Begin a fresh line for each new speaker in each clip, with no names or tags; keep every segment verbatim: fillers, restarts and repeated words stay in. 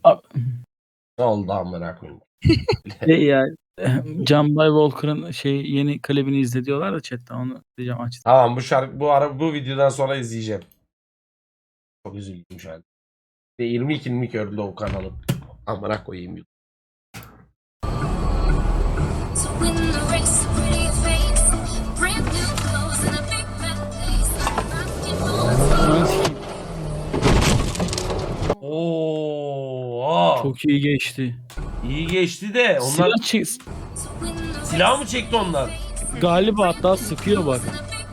Abi,
Ne oldu amına koyayım?
şey ya Can Bay Walker'ın şey yeni klibini izle diyorlar da chatte onu diyeceğim aç.
Tamam bu şarkı bu ara bu videodan sonra izleyeceğim. Çok üzüldüm şu an. yirmi iki yirmi iki ördü o kanalım. Amına koyayım.
To win the race, pretty face, brand new clothes and a big fat face. Basketball team.
Oo,
Çok iyi geçti.
iyi geçti de onlar
Silah çek
To win the race,
silah mı çekti onlar?
galiba hatta sıkıyor bak.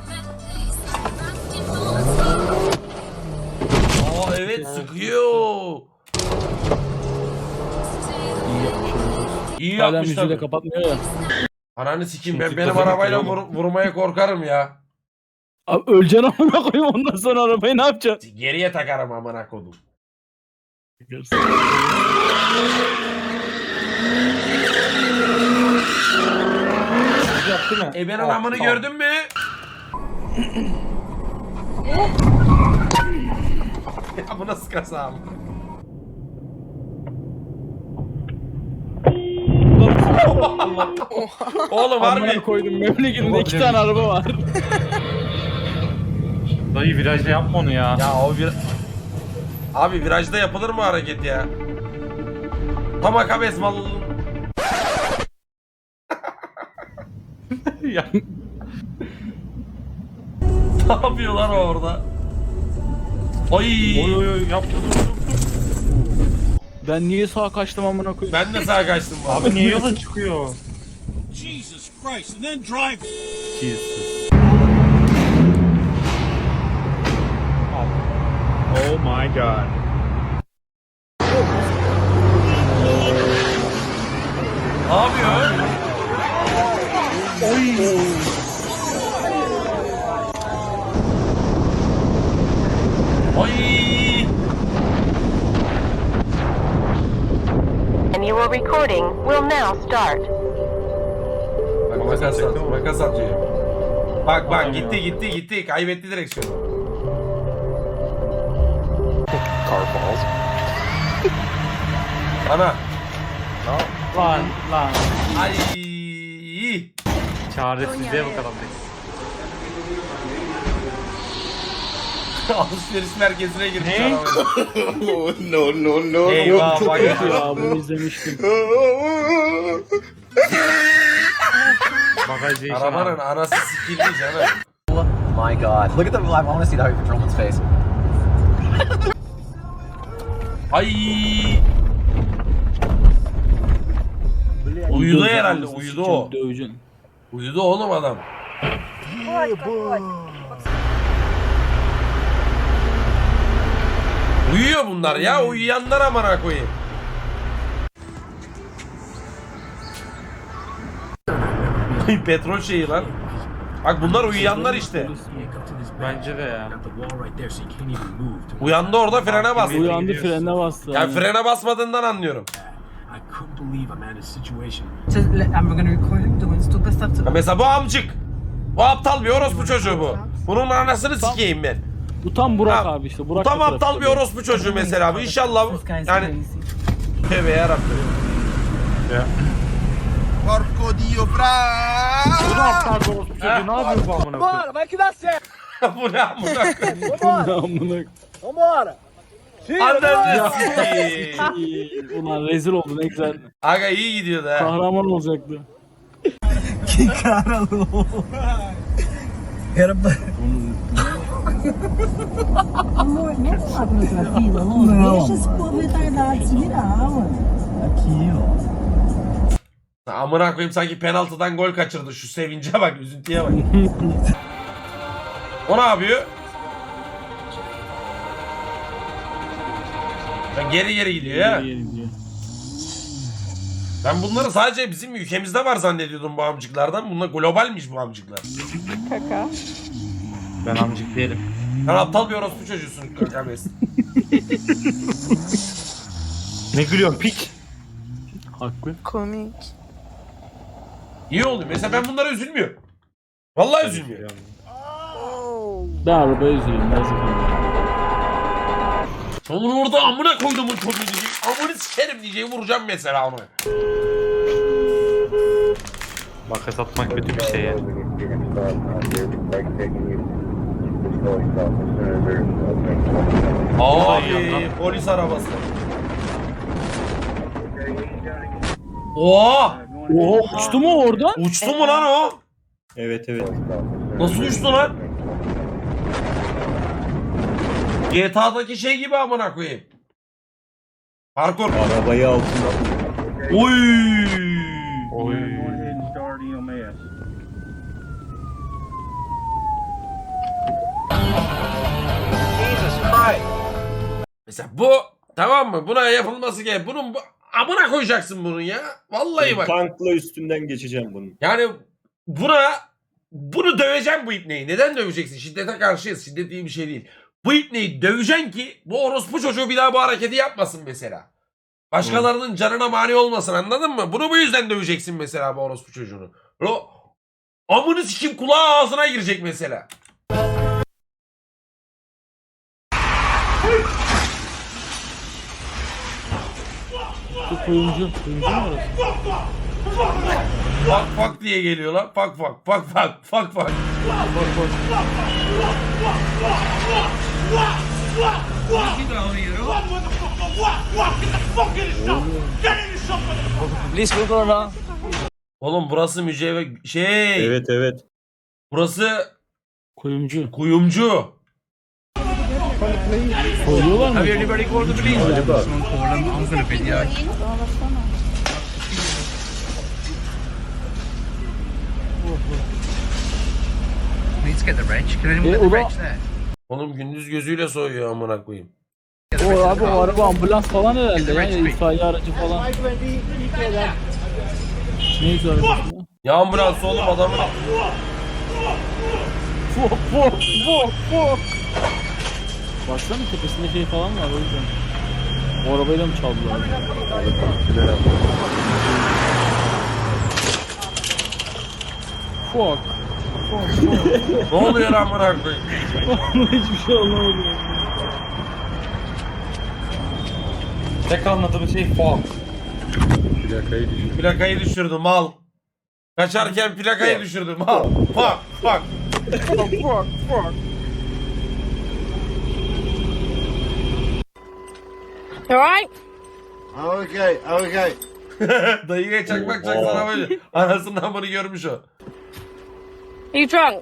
Aa evet sıkıyor.
İyi yapmış.
İyi
Hala
yapmış
müziği de
tabii.
kapatmıyor ya.
Ananı sikeyim ben
Şimdi
benim
kafayı
arabayla
kırıyor
vur- vurmaya korkarım ya.
Abi öleceksin amına koyayım ondan sonra arabayı ne yapacaksın?
Geriye takarım amına kodum.
Yaptı mı?
E ben
Aa,
anamını
tamam.
gördün mü? Ya bu nasıl kaza? Oğlum
Amına
harbi.
koydum memleketinde iki tane araba var.
Dayı virajda yapma onu ya.
Ya o bir... Abi virajda yapılır mı hareket ya? Tam akabes malın.
Ya.
Ne yapıyorlar orada? Ay.
Oy oy oy yaptı.
Ben niye sağa kaçtım amına koyayım?
Ben de sağa kaçtım bu
Abi niye yola çıkıyor?
Jesus Christ, and then drive.
Jesus. Oh my god.
Ne yapıyor? Ay.
And your recording will now start.
Bak makas atıyor. Makas atıyor. Bak bak gitti gitti gitti. Kaybetti direksiyonu.
Car balls.
Ana.
Lan lan.
Ay.
Çaresizliğe bakalım.
Alışveriş merkezine girmiş
Ne?
arabayla.
no, no, no.
Eyvah bak.
Ya bunu izlemiştim.
Bagajı işe
Arabanın anası sikildi canım.
My God. Look at the, I want to see the highway patrolman's face.
Ay. Uyudu herhalde. Uyudu o.
Döveceksin.
Uyudu oğlum adam. Uyuyor bunlar ya. Uyuyanlar amına koyayım. Petrol şeyi lan. Bak bunlar uyuyanlar işte.
Bence de ya.
Uyandı orada frene bastı.
Uyandı frene bastı.
Yani frene basmadığından anlıyorum.
I couldn't believe I'm in a situation.
So, le- and we're going to record him doing stupid stuff to
Ya mesela bu amcık. Bu aptal bir orospu çocuğu bu. Bunun anasını sikeyim ben.
Bu tam Burak
Ha,
abi işte.
Bu
Burak
tam
da
aptal
trafikte
bir
böyle.
orospu çocuğu mesela bu. İnşallah bu-
This guy's
yani
crazy.
tövbe yarabbim.
Porco Dio, fra!
Bu da aptal bir orospu çocuğu. Ne yapıyor bu amına koyayım?
Bu ne amına koyayım?
Amına.
Ananı sikeyim.
İyi, Ulan rezil oldu ne güzel.
Aga iyi gidiyordu ha.
Kahraman olacaktı.
Amor, não é falar pra outra fila, amor. Deixa esse povo retardado se virar, mano. Aqui, ó.
Amına koyayım sanki penaltıdan gol kaçırdı. Şu sevince bak, üzüntüye bak. O ne yapıyor? Ben geri geri gidiyor ya.
Geri gidiyor.
Ben bunları sadece bizim ülkemizde var zannediyordum bu amcıklardan. Bunlar globalmiş bu amcıklar.
Ben amcık değilim.
Sen aptal bir orospu çocuğusun Kakabes.
Ne gülüyorsun piç?
Haklı.
İyi oldu. Mesela ben bunlara üzülmüyorum. Vallahi üzülmüyorum.
Ben arabaya üzülüyorum. Ben üzülüyorum.
Onu orada amına koyduğumun çocuğu diyecek. Amını sikerim diyeceğim, vuracağım mesela onu.
Makas atmak kötü bir şey yani.
Abi polis arabası. Oha!
Oo, uçtu mu oradan?
Uçtu mu lan o?
Evet evet.
Nasıl uçtu lan? G T A'daki şey gibi amına koyayım. Parkur.
Arabayı altında.
Oy!
Oy.
Mesela bu tamam mı? Buna yapılması gerek. Bunun bu, amına koyacaksın bunun ya. Vallahi bak.
Tankla üstünden geçeceğim bunun.
Yani buna bunu döveceğim bu ipneyi. Neden döveceksin? Şiddete karşıyız. Şiddet iyi bir şey değil. Bu ipneyi döveceksin ki bu orospu çocuğu bir daha bu hareketi yapmasın mesela. Başkalarının canına mani olmasın, anladın mı? Bunu bu yüzden döveceksin mesela bu orospu çocuğunu. O amını sikim kulağı ağzına girecek mesela.
Bu kuyumcu. Kuyumcu mu orası?
Fak fak diye geliyor lan. Fak fak fak fak fak fak. Oğlum burası mücevher şey.
Evet evet.
Burası
Kuyumcu.
kuyumcu.
Koyuyorlar mı?
Acaba.
E, o da,
Oğlum gündüz gözüyle soyuyor amına koyayım.
o abi o araba ambulans falan herhalde ya. İtfaiye aracı falan. Neyse arabası ya?
Ya ambulans oğlum adamın.
Fok fok fok fok. Baksana tepesinde şey falan var o yüzden. O arabayla mı çaldılar? Fok.
Ne oluyor amına koyayım?
Hiçbir şey anlamadım.
Tek anladığım şey fog.
Plakayı düşürdüm mal. Kaçarken plakayı düşürdüm mal. Fuck fuck.
Fok fok.
You alright?
Okay, okay.
Dayıya çakmak çaksana böyle. Anasının amını görmüş o.
Are you drunk?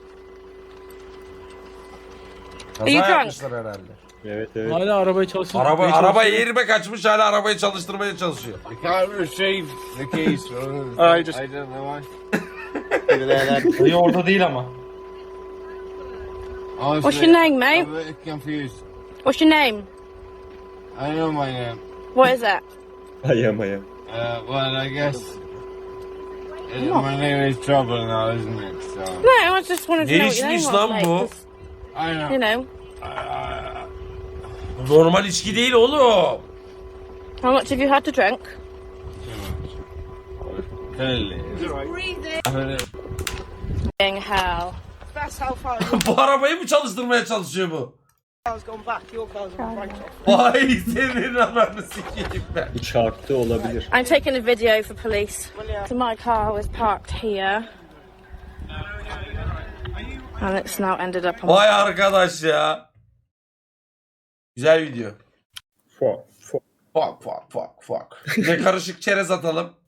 Kaza
İyi kanka.
yapmışlar herhalde.
Evet evet.
Hala arabayı çalıştırmaya
Araba
çalışıyor.
araba yerime kaçmış, hala arabayı çalıştırmaya çalışıyor.
I can't retrieve the keys from I just I don't know why.
Dayı orada değil ama.
Honestly,
What's your name, mate?
I'm a bit confused.
What's your name?
I know my name.
What is that?
Ayam ayam.
Uh, well, I guess it, my name is Trouble now, isn't it? So
No, I just wanted to
Ne
know what your name
içmiş
was,
lan
mate,
bu?
'cause,
I know.
you know,
Normal içki değil oğlum.
how much have you had to drink?
Clearly.
Being hell.
Bu arabayı mı çalıştırmaya çalışıyor bu? Vay senin ananı sikeyim ben.
Bu çarptı olabilir.
I'm taking a video for police. So my car was parked here. And it's now ended up on...
Vay arkadaş ya. Güzel video.
Fog. Fog.
Fuck fuck fuck fuck. Bir de karışık çerez atalım.